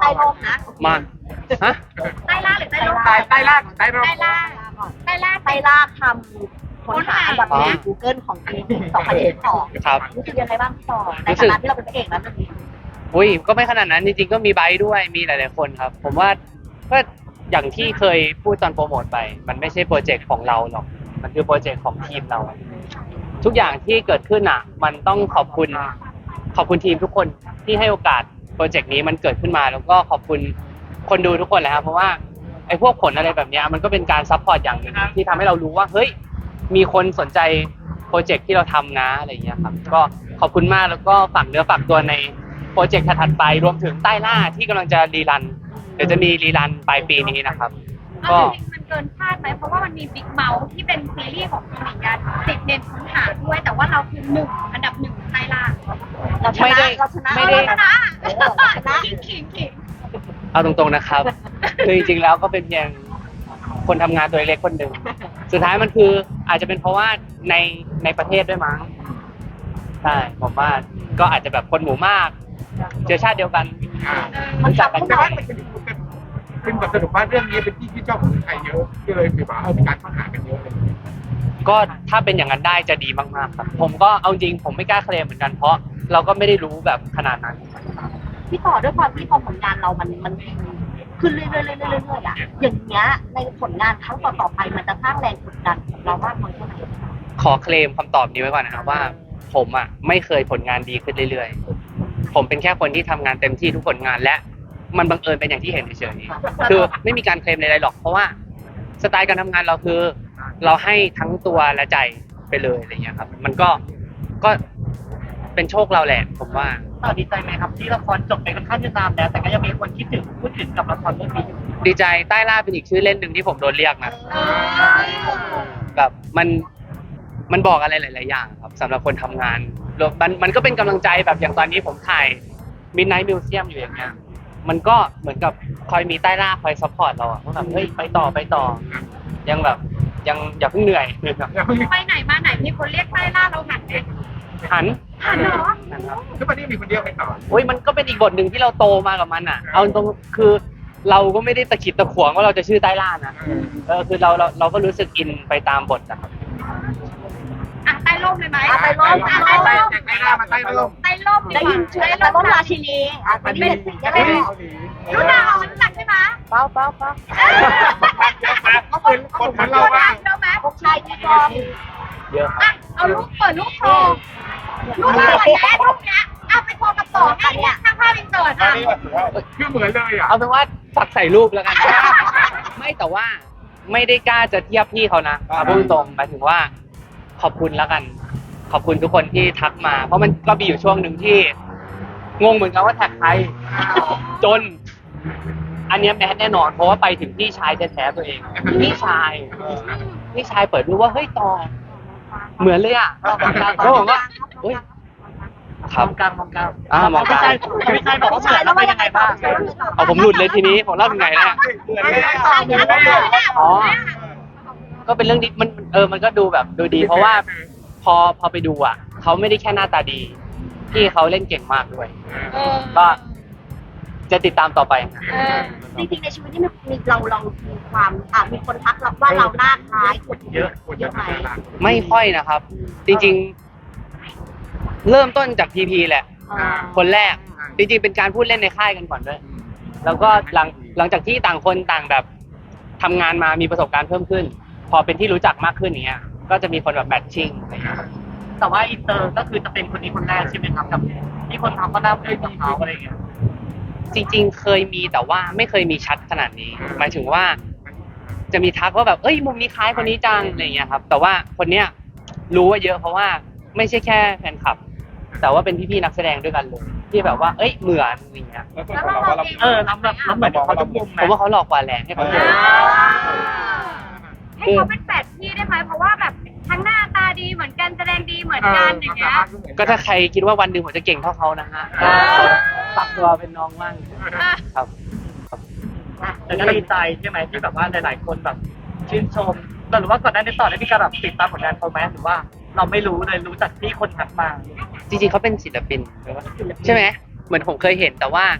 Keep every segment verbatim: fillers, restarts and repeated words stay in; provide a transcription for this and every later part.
ต้ร่มนะมาฮะใต้ล่าหรือใต้ร่มใต้ใต้ล่างใต้ร่มใต้ล่าใต้ล่าไต้ล่าทำค้นหาอันดับหนึ่ง Google ของปีสองพันยี่สิบสองครับรู้สึกยังไงบ้างพี่ต่อในฐานะที่เราเป็นพระเอกนะเรื่องนี้อุ้ยก็ไม่ขนาดนั้นจริงๆก็มีไบค์ด้วยมีหลายๆคนครับ ผมว่าก็อย่างที่เคยพูดตอนโปรโมทไป มันไม่ใช่โปรเจกต์ของเราหรอกมันคือโปรเจกต์ของทีมเรา ทุกอย่างที่เกิดขึ้นอ่ะ มันต้องขอบคุณขอบคุณทีมทุกคนที่ให้โอกาสโปรเจกต์นี้มันเกิดขึ้นมา แล้วก็ขอบคุณคนดูทุกคนแหละครับเพราะว่าไอ้พวกผลอะไรแบบนี้มันก็เป็นการซัพพอร์ตอย่างหนึ่งที่ทำให้เรารู้ว่าเฮ้ยมีคนสนใจโปรเจกต์ที่เราทำนะอะไรอย่างเงี้ยครับก็ขอบคุณมากแล้วก็ฝากเนื้อฝากตัวในโปรเจกต์ถัดๆไปรวมถึงใต้ล่าที่กำลังจะรีรันเดี๋ยวจะมีรีรันปลายปีนี้นะครับก็จริงมันเกินคาดไหมเพราะว่ามันมีบิ๊กเมาส์ที่เป็นซีรีส์ของคุณหญิงยาติดเด่นค้นหาด้วยแต่ว่าเราคือหนึ่งอันดับหนึ่งใต้ล่าเราชไม่นะได้เราชนะไม่ได้ชนะชนะขิงขิงขิงเอาตรงๆนะครับ คือจริงๆแล้วก็เป็นเพียงคนทำงานตัวเล็กคนหนึ่งสุดท้ายมันคืออาจจะเป็นเพราะว่าในในประเทศด้วยมั้งใช่ผมว่าก็อาจจะแบบคนหมู่มากเชื้อชาติเดียวกันอ่ามันรู้จัจับกกันไม่แต่ได้ว่ามันเป็นเป็นแบบสรุปว่าเรื่องนี้เป็นที่ที่ชอบของคนไทยเยอะก็เลยถือว่าเออมีการค้นหากันเยอะเลยก็ถ้าเป็นอย่างนั้นได้จะดีมากๆครับ ผมก็เอาจริงผมไม่กล้าเคลมเหมือนกันเพราะเราก็ไม่ได้รู้แบบขนาดนั้นพี่ต่อด้วยความที่พอผลงานเรามันมันขึ้นเรื่อยๆเรื่อยๆเรื่อยๆอ่ะอย่างเงี้ยในผลงานครั้งต่อๆไปมันจะสร้างแรงกดดันกับเรามากน้อยแค่ไหนขอเคลมคำตอบนี้ไว้ก่อนนะครับว่า ผมอ่ะไม่เคยผลงานดีขึ้นเรื่อยๆผมเป็นแค่คนที่ทำงานเต็มที่ทุกผลงานและมันบังเอิญเป็นอย่างที่เห็นเฉยๆคือไม่มีการเคลมใดๆหรอกเพราะว่าสไตล์การทำงานเราคือ เราให้ทั้งตัวและใจไปเลยอะไรเงี้ยครับ มันก็ก็เป็นโชคเราแหละผมว่าต่อดีใจไหมครับที่ละครจบไปค่อนข้างจะนานแล้วแต่ก็ยังมีคนคิดถึงพูดถึงกับละครเรื่องนี้อยู่ดีใจใต้ล่าเป็นอีกชื่อเล่นหนึ่งที่ผมโดนเรียกนะแบบมันมันบอกอะไรหลาย ๆ อย่างครับสำหรับคนทำงานแล้วมันมันก็เป็นกำลังใจแบบอย่างตอนนี้ผมถ่าย Midnight Museum อยู่อย่างเงี้ยมันก็เหมือนกับคอยมีใต้ล่าคอยซัพพอร์ตเราอะว่าแบบเฮ้ยไปต่อไปต่อ ยังแบบยังอย่าเพิ่งเหนื่อยไปไหนมาไหนมีคนเรียกใต้ล่าเราหันไหมหันหันเหรอหันครับทุกวันนี้มีคนเดียวไปต่อโอ้ยมันก็เป็นอีกบทหนึ่งที่เราโตมากับมันอ่ะ เอาตรงคือเราก็ไม่ได้ตะขิดตะขวงว่าเราจะชื่อใต้ล่านะเออคือเราเราเราก็รู้สึกอินไปตามบทนะครับอ่ะใต้ร่มเลยไหมอ่ะใต้ร่มอ่ะใต้ใต้ร่ร่มมใต้ร่มมาใต้ร่มใต้ร่มได้ยินชื่อแต่ร่มราชินีอ่ะเป็นเด็กสิจะได้รู้จักเหรอรู้จักใช่ไหมเป้าเป้าเป้าเขาเป็นคนเหมือนเรารู้ว่าจักเราไหมพวกชายที่กองเยอะครับอ่ะเอารูปเปิดรูปโชว์รูปนี้ก่อนนะรูปเนี้ยเอาไปโชว์กับต่อให้เนี่ยข้างภาพอินเสิร์ตอ่ะคือเหมือนเลยอ่ะเอาเป็นว่าฝากใส่รูปแล้วกัน ไม่แต่ว่าไม่ได้กล้าจะเทียบพี่เขานะเอาพูดตรงหมายถึงว่า ขอบคุณแล้วกัน ขอบคุณทุกคนที่ทักมา เพราะมันก็มีอยู่ช่วงหนึ่งที่งงเหมือนกันว่าแท็กใครจน อันเนี้ยแมสแน่นอนเพราะว่าไปถึงพี่ชายแท้ๆตัวเองพี่ชายพี่ชายเปิดดูว่าเฮ้ยต่อเหมือนเลยอ่ะเขาบอกว่าเฮ้ยครับมองกลางมองกลางอ่ามองกลางไม่ใช่บอกว่าเหมือนแล้วเป็นยังไงบ้างเอาผมหลุดเลยทีนี้ผมเล่าถึงไหนแล้วเหมือนเลยอ๋อ ก็เป็นเรื่องดีมันเออมันก็ดูแบบดูดี เพราะว่าพอพอไปดูอ่ะเขาไม่ได้แค่หน้าตาดีพี่เขาเล่นเก่งมากด้วยเออก็จะติดตามต่อไปครับเออจริงๆในชีวิตที่มีเราเรามีความอ่ะมีคนทักเราว่าเราหน้าคล้ายคนเยอะคนเยจะอะไหมน่ารักไม่ค่อยนะครับ จริงๆ เริ่มต้นจากพีพีแหละ คนแรก จริงๆ เป็นการพูดเล่นในค่ายกันก่อนด้วย แล้วก็หลังหลังจากที่ต่างคนต่างแบบทำงานมามีประสบการณ์เพิ่มขึ้น พอเป็นที่รู้จักมากขึ้นอย่างเงี้ย ก็จะมีคนแบบแมทชิ่งอะไรอย่างเงี้ยครับแต่ว่าอินเตอร์ก็คือจะเป็นคนนี้คนแรกใช่ไหมครับกับที่คนทำก็น่าเอ้ยกับเขาอะไรอย่างเงี้ยจริงๆ เคยมีแต่ว่าไม่เคยมีชัดขนาดนี้ หมายถึงว่า จะมีทักว่าแบบเอ้ยมุมนี้คล้ายคนนี้จังอะไรอย่างเงี้ยครับ แต่ว่าคนเนี้ยรู้ว่าเยอะเพราะว่าไม่ใช่แค่แฟนคลับ แต่ว่าเป็นพี่ๆนักแสดงด้วยกันเลยที่แบบว่าเอ้ยเหมือนอะไรอย่างเงี้ยแล้วเราเราเองเออรับรับรับเหมือนเขาทุกมุมไหมผมว่าเขาหลอกกว่าแหละให้เขาเจอให้เขาเป็นแฝดพี่ได้ไหมเพราะว่าแบบทั้งหน้าตาดีเหมือนกันแสดงดีเหมือนกันอย่างเงี้ยก็ถ้าใครคิดว่าวันหนึ่งผมจะเก่งเท่าเขานะฮะอ่าปักตัวเป็นน้องบ้างครับแต่ก็ดีใจใช่ไหมที่แบบว่าหลาย ๆ คนแบบชื่นชมแต่หรือว่าก่อนหน้านี้ต่อได้มีการแบบติดตามผลงานเขาไหมหรือว่าเราไม่รู้เลยรู้จากที่คนทักมาจริงๆเขาเป็นศิลปินใช่ไหมเหมือนผมเคยเห็นแต่ว่า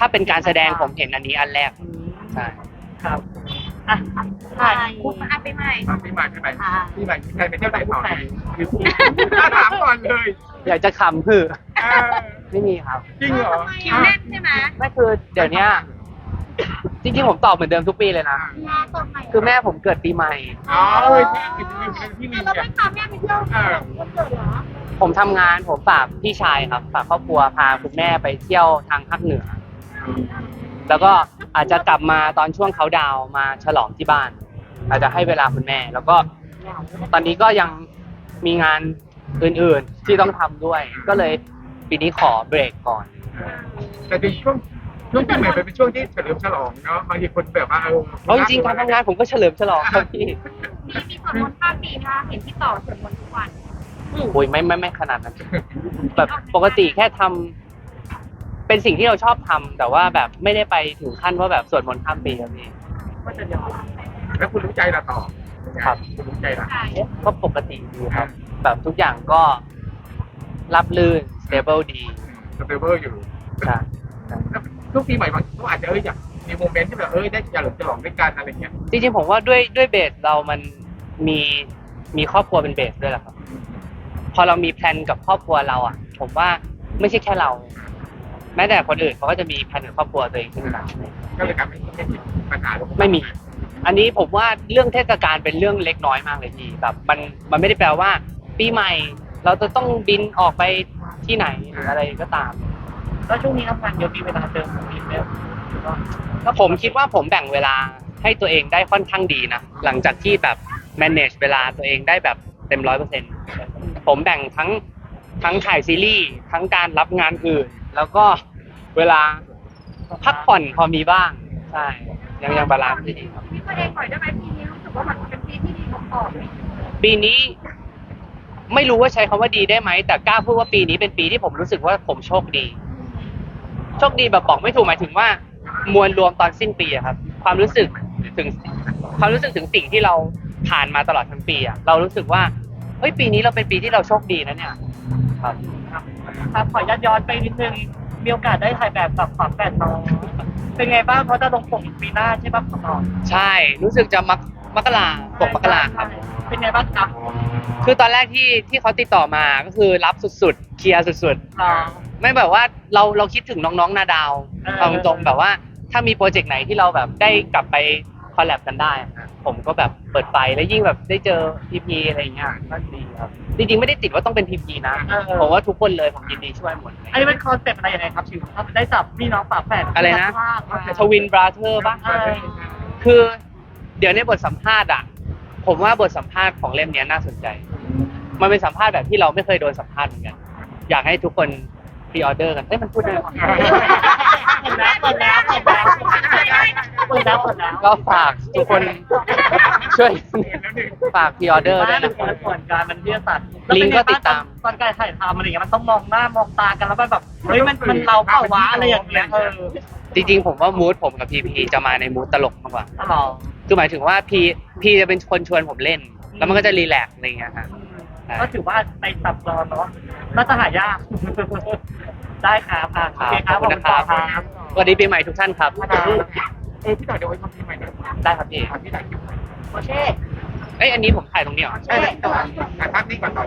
ถ้าเป็นการแสดงผมเห็นอันนี้อันแรกใช่ครับอ่ะใช่คุณมาไปใหม่พี่ใหม่พี่ใหม่พี่ใหม่พี่ใหม่ไปเที่ยวไหนต่อคือถ้าถามก่อนเลยอยากจะขำคือเออไม่มีครับจริงเหรอคิวแน่นใช่ไหมไม่คือเดี๋ยวเนี้ยจริงๆผมตอบเหมือนเดิมทุกปีเลยนะ คือแม่ผมเกิดปีใหม่อ๋อเออที่ที่ที่มีเราเนี่ไม่ยพาแม่ไปเที่ยวเออวันเกิดเหรอผมทำงานผมฝากพี่ชายครับฝากครอบครัวพาคุณแม่ไปเที่ยวทางภาคเหนือ แล้วก็อาจจะกลับมาตอนช่วงเขาดาวน์มาฉลองที่บ้าน อาจจะให้เวลาคุณแม่ แล้วก็ตอนนี้ก็ยังมีงานอื่นๆที่ต้องทำด้วย ก็เลยปีนี้ขอเบรกก่อนแต่ในช่วงช่วงปีใหม่เป็นช่วงที่เฉลิมฉลองเนาะบางทีคนแบบว่าเออเอาจริงๆการทำงานผมก็เฉลิมฉลองครับพี่มีมีสวดมนต์ข้ามปีนะคะเห็นพี่ต่อสวดมนต์ทุกวันโอ้ยไม่ไม่ไม่ขนาดนั้น แบบปกติแค่ทำเป็นสิ่งที่เราชอบทำแต่ว่าแบบไม่ได้ไปถึงขั้นว่าแบบสวดมนต์ข้ามปีครับพี่ก็จะยาวแล้วคุณรู้ใจเราต่อครับคุณรู้ใจเราใช่ก็ปกติดีครับ แบบทุกอย่างก็รับลื่น stable ดีสเตเบิลอยู่ใช่ทุกปีใหม่บางก็อาจจะเอออยากมีโมเมนต์ที่แบบเออได้เฉลิมฉลองด้วยกันอะไรเงี้ยจริงๆผมว่าด้วยด้วยเบสเรามันมีมีครอบครัวเป็นเบสด้วยแหละครับ พอเรามีแพลนกับครอบครัวเราอ่ะ ผมว่าไม่ใช่แค่เรา แม้แต่คนอื่นเขาก็จะมีแพลนกับครอบครัวตัวเองขึ้นมาก็เลยกลายเป็นไม่มีปัญหาไม่มี อันนี้ผมว่าเรื่องเทศกาลเป็นเรื่องเล็กน้อยมากเลยพี่แบบมันมันไม่ได้แปลว่า ปีใหม่ เราจะต้องบินออกไปที่ไหนหรืออะไรก็ตามแล้วช่วงนี้ทำงานเยอะมีเวลาเจอคนอื่นไหมหรือว่าก็ผมคิดว่าผมแบ่งเวลาให้ตัวเองได้ค่อนข้างดีนะหลังจากที่แบบ manage เวลาตัวเองได้แบบเต็มร้อยเปอร์เซ็นต์ผมแบ่งทั้งทั้งถ่ายซีรีส์ทั้งการรับงานอื่น แล้วก็เวลาพักผ่อนพอมีบ้างใช่ยังยังบาลานซ์ได้ดีครับพี่ประเด็นหน่อยได้ไหมปีนี้รู้สึกว่ามันเป็นปีที่ดีของต่อไหมปีนี้ไม่รู้ว่าใช้คำว่าดีได้ไหมแต่กล้าพูดว่าปีนี้เป็นปีที่ผมรู้สึกว่าผมโชคดี โชคดีแบบบอกไม่ถูกหมายถึงว่ามวลรวมตอนสิ้นปีอะครับ ความรู้สึกถึงความรู้สึกถึงสิ่งที่เราผ่านมาตลอดทั้งปีอะเรารู้สึกว่าเฮ้ยปีนี้เราเป็นปีที่เราโชคดีนะเนี่ยครับครับขอย้อนย้อนไปนิดนึงมีโอกาสได้ถ่ายแบบกับฝาแฝดน้องเป็นไงบ้างเขาจะลงปกอีกปีหน้าใช่ป่ะของน้องใช่รู้สึกจะมักมกราปกมกราครับเป็นไงบ้างครับคือตอนแรกที่ที่เขาติดต่อมาก็คือรับสุดๆเคลียร์สุดๆอ่าไม่แบบว่าเราเราคิดถึงน้องๆนาดาวเออเอาตรงๆแบบว่าถ้ามีโปรเจกต์ไหนที่เราแบบได้กลับไปคอลแลบกันได้อะผมก็แบบเปิดไฟแล้วยิ่งแบบได้เจอพีพีอะไรอย่างเงี้ยก็ดีครับจริงๆไม่ได้ติดว่าต้องเป็นพีพีนะผมว่าทุกคนเลยผมยินดีช่วยหมดเลยอันนี้เป็นคอนเซ็ปต์อะไรยังไงครับชิวครับได้จับพี่น้องฝาแฝดอะไรนะมาทวินบราเธอร์ป่ะเออคือเดี๋ยวในบทสัมภาษณ์อ่ะ ผมว่าบทสัมภาษณ์ของเล่มเนี้ยน่าสนใจ มันเป็นสัมภาษณ์แบบที่เราไม่เคยโดนสัมภาษณ์เหมือนกันอยากให้ทุกคนพรีออเดอร์กันเอ้ยมันพูดได้ไหมเปิดแล้วเปิดแล้วเปิดแล้วเปิดแล้วเปิดแล้วก็ฝากทุกคนช่วยฝากพรีออเดอร์ไม่ด้วยมันนะคนละส่วนการมันวิทยาศาสตร์ลิงก์ก็ติดตามตอนการถ่ายทำอะไรอย่างเงี้ยมันต้องมองหน้ามองตากันแล้วมันแบบเฮ้ยมันมันเราเปล่าวะอะไรอย่างเงี้ยเออจริงๆผมว่ามูดผมกับพีพีจะมาในมูดตลกมากกว่าตลอดคือหมายถึงว่าพีพีจะเป็นคนชวนผมเล่น แล้วมันก็จะรีแลกซ์อะไรอย่างเงี้ยฮะก็ถือว่าไปสับรอนเนาะน่าจะหายาก ได้ครับอ่ะโอเคครับขอบคุณนะครับครับสวัสดีปีใหม่ทุกท่านครับเออพี่ต่อเดี๋ยวไว้ทำปีใหม่หน่อยได้ครับพี่พี่ถ่ายคลิปหน่อยโอเคเอ้ยอันนี้ผมถ่ายตรงนี้เหรอใช่ไหมต่อถ่ายภาพนี้ก่อนต่อ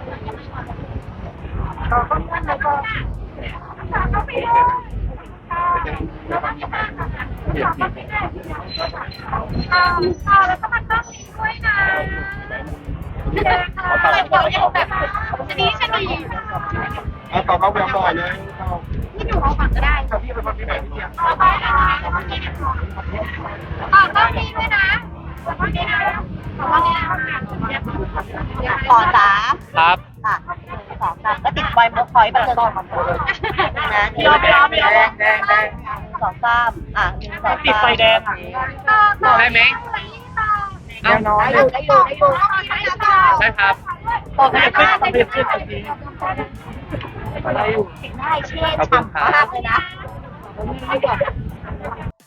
เราก็เพื่อนเราก็เขาไปเลยแล้วก็มีบ้านค่ะแล้วก็ไม่ได้เออต่อแล้วก็มันต้องมีด้วยนะเดี๋ยวค่ะเดี๋ยวยังแบบชนีชนีเอาต่อเขาแบบต่อเลยที่อยู่เอาฝั่งก็ได้ต่อพี่เป็นคนที่ไหนพี่เนี่ยต่อไปนะคะต่อต้องมีด้วยนะต่อต้องมีนะต่อต้องมีนะขอสามครับค่ะสองสามก็ติดไวเบอร์พอยต์ไปเลยนะพี่ออฟพี่ออฟพี่ออฟแดงแดงแดงสองสามอ่ะหนึ่งสองติดไฟแดงอ่ะได้ไหมแน่นอนได้อยู่ได้อยู่ได้อยู่ได้ครับต่อขยับขึ้นต่อขยับขึ้นโอเคอะไรอยู่ได้เชื่อฉ่ำมากเลยนะ